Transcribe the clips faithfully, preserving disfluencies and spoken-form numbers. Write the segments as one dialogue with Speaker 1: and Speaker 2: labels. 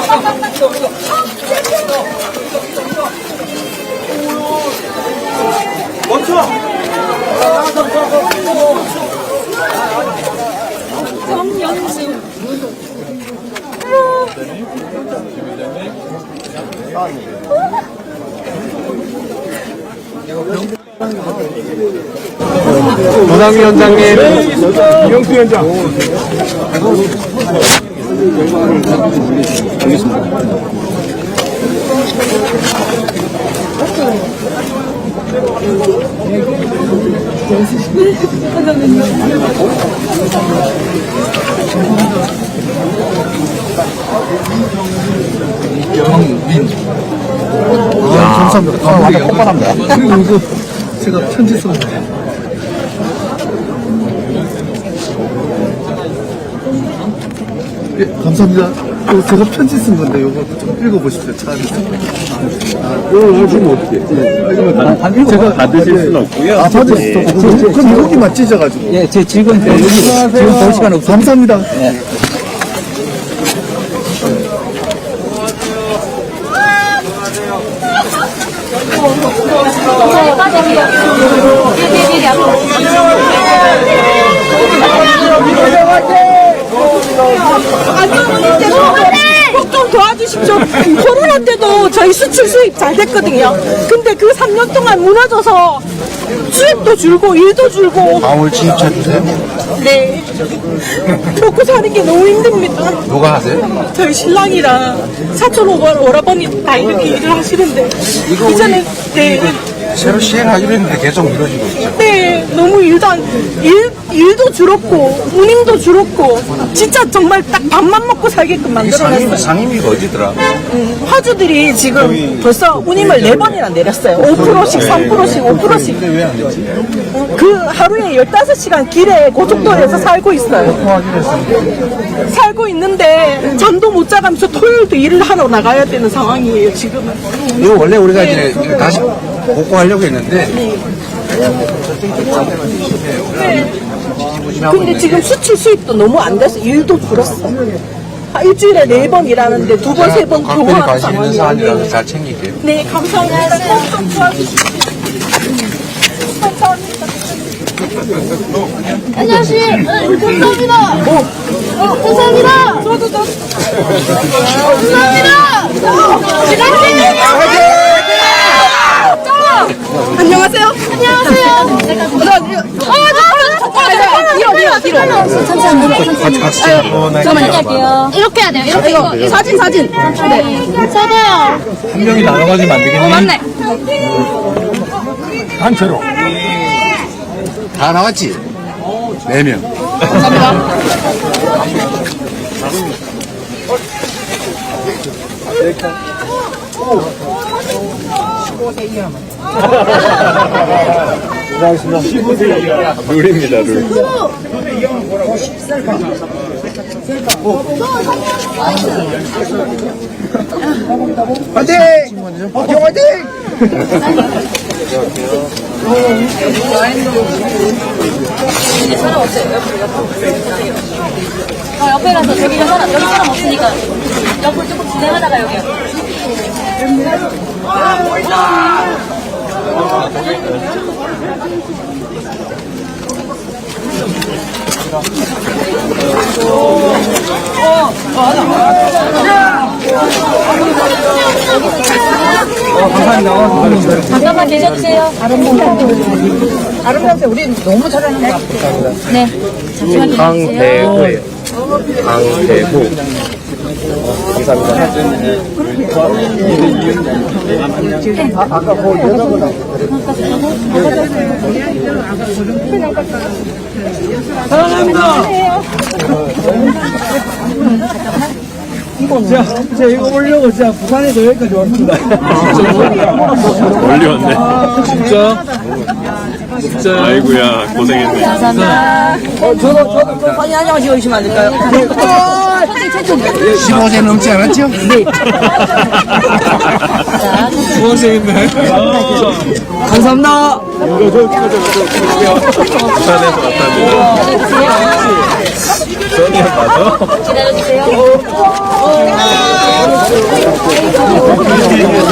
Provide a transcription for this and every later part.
Speaker 1: 멈춰!
Speaker 2: 정연진.
Speaker 3: 노상위원장님,
Speaker 1: 이영수 위원장.
Speaker 3: 영민. 아, 감사합니다. 아, 완전 뻔뻔합니다. 그리고 제가 편지 썼는데. 예, 감사합니다. 이거 제가 편지 쓴 건데, 이거 좀 읽어보십시오. 차 안에서. 아, 이거 주면 어떻게? 예. 제가
Speaker 4: 받으실 수는 없고요.
Speaker 3: 아, 받을 수 없고. 그럼 여기만 찢어가지고.
Speaker 5: 예, 제 지금 여기 지금 볼 시간 없어요.
Speaker 3: 감사합니다.
Speaker 5: 예.
Speaker 2: 좀 도와주십시오. 코로나 때도 저희 수출 수입 잘 됐거든요. 근데 그 삼 년 동안 무너져서 수입도 줄고 일도 줄고.
Speaker 3: 방울 진입해주세요.
Speaker 2: 네. 먹고 사는 게 너무 힘듭니다.
Speaker 3: 누가 하세요?
Speaker 2: 저희 신랑이랑 사촌 오버 오라버니 다 이렇게 일을 하시는데 이전에 네.
Speaker 3: 새로 시행하기로 했는데 계속 미뤄지고 있죠.
Speaker 2: 네, 너무 일도 안, 일, 일도 줄었고, 운임도 줄었고, 진짜 정말 딱 밥만 먹고 살게끔 만들어놨어요.
Speaker 3: 상임위가 어디더라?
Speaker 2: 음, 화주들이 지금 벌써 운임을 네 번이나 내렸어요. 오 퍼센트씩, 삼 퍼센트씩, 오 퍼센트씩.
Speaker 3: 왜 안 됐지?
Speaker 2: 그 하루에 열다섯 시간 길에 고속도로에서 살고 있어요. 살고 있는데 잠도 못 자가면서 토요일도 일을 하러 나가야 되는 상황이에요, 지금은.
Speaker 3: 이거 원래 우리가 이제 다시 복구하려고 했는데.
Speaker 2: 네. 근데 지금 수출 수입도 너무 안 돼서 일도 줄었어. 아, 일주일에 네 번 일하는데 두 번, 세 번
Speaker 3: 각별히
Speaker 2: 교환
Speaker 3: 관심 있는
Speaker 2: 상황이에요.
Speaker 3: 사안이라서 잘 챙길게요.
Speaker 2: 네, 감사합니다. 꼭좀 도와주십시오. 감사합니다.
Speaker 6: 안녕하세요. 감사합니다. 어, 감사합니다.
Speaker 2: 저도 저.
Speaker 6: 감사합니다.
Speaker 2: 안녕하세요.
Speaker 6: 안녕하세요. 뒤로, 뒤로, 뒤로. 천천히.
Speaker 3: 같이 같이 찍어.
Speaker 6: 잠깐만요. 할게요. 이렇게 해야 돼요. 이렇게. 이거, 이거 사진, 사진. 네. 저도요.
Speaker 3: 한 명이 나눠가지면 안 되겠니?
Speaker 6: 어, 맞네.
Speaker 3: 단체로. 다 나왔지? 네 명.
Speaker 6: 감사합니다.
Speaker 4: 고생하셨습니다. 십오 세 이하. 룰입니다, 룰.
Speaker 3: 화이팅! 화이팅! 화이팅!
Speaker 2: 사람 없어요.
Speaker 6: 어, 옆에 가서 저기 사람, 여기 사람 없으니까 옆으로 조금 진행하다가 여기요. 잠깐만 계셔주세요. 다른 분들.
Speaker 5: 다른 분한테 우리 너무 잘하는 것 같아요.
Speaker 6: 네. 잠시만 기다려주세요.
Speaker 4: 강대호예요. 강대호.
Speaker 3: 아까 그 여자분
Speaker 1: 자, 제가 이거 보려고 진짜 부산에서 여기까지 왔습니다.
Speaker 4: 멀리 왔네.
Speaker 1: 진짜? 진짜.
Speaker 4: 아이고야, 고생했네.
Speaker 6: 감사합니다.
Speaker 5: 어, 저도, 저도 좀 많이 안녕하시고 계시면 안 될까요?
Speaker 3: 십오 세 넘지 않았죠? 네.
Speaker 1: 고생했네.
Speaker 5: 감사합니다.
Speaker 4: 부산에서 왔답니다. 전혀 맞아?
Speaker 6: 기다려주세요.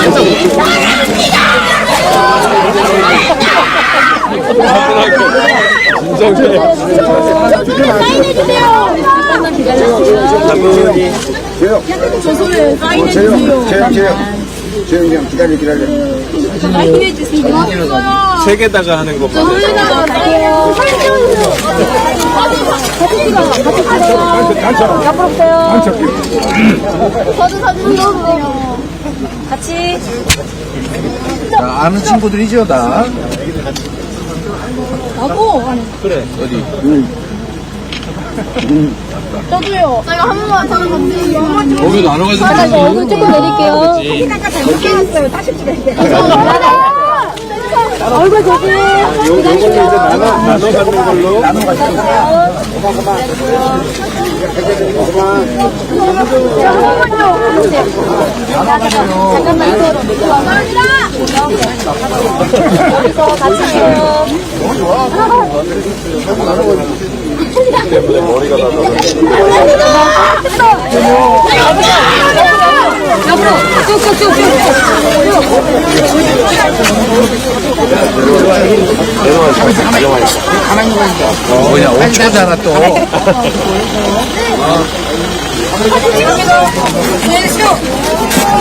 Speaker 7: 조용 기다려 기다려.
Speaker 4: 책에다가 하는 거 봐.
Speaker 6: 같이.
Speaker 3: 자, 아는 친구들이죠, 다.
Speaker 6: 나도.
Speaker 3: 그래, 어디?
Speaker 6: 저도요. 나 이거 한 번만 저는 같이.
Speaker 3: 거기 나눠가지고.
Speaker 6: 아, 나 이거 얼굴 조금 내릴게요. 얼굴 조심.
Speaker 4: 요거는 이제 나눠, 나눠 갖는 걸로.
Speaker 6: 잠깐만 이거 이거 같이 해요.
Speaker 4: 때문에 머리가 나서.
Speaker 6: 옆으로 쭉쭉쭉쭉.
Speaker 3: 뭐냐, 오 초잖아, 또.
Speaker 6: 네,